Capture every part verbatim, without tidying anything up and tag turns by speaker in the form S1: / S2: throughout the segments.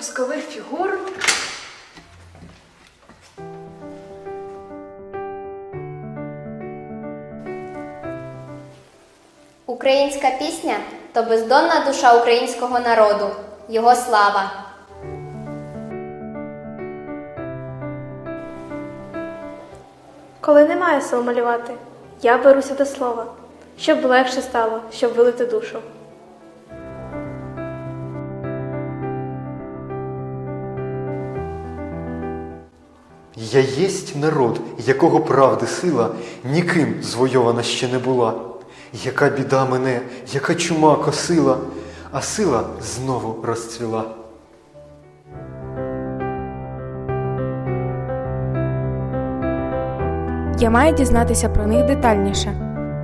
S1: воскових фігур.
S2: Українська пісня – то бездонна душа українського народу, його слава.
S3: Коли немає сил малювати, я беруся до слова, щоб легше стало, щоб вилити душу.
S4: Я єсть народ, якого правди сила ніким звойована ще не була. Яка біда мене, яка чума косила, а сила знову розцвіла.
S5: Я маю дізнатися про них детальніше.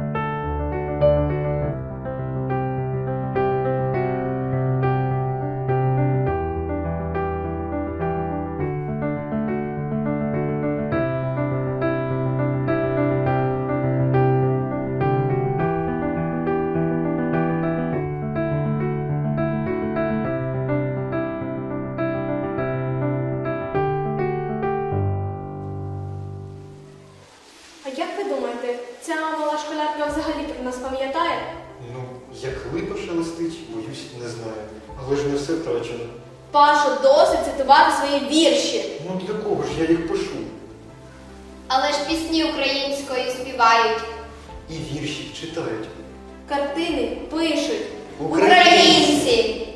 S3: А як ви думаєте, ця мала школярка взагалі про нас пам'ятає?
S4: Ну, як липа шелестить, боюсь, не знаю. Але ж не все втрачено.
S3: Пашо, досить цитувати свої вірші.
S4: Ну для кого ж я їх пишу?
S2: Але ж пісні українською співають.
S4: І вірші читають.
S3: Картини пишуть.
S2: Українці!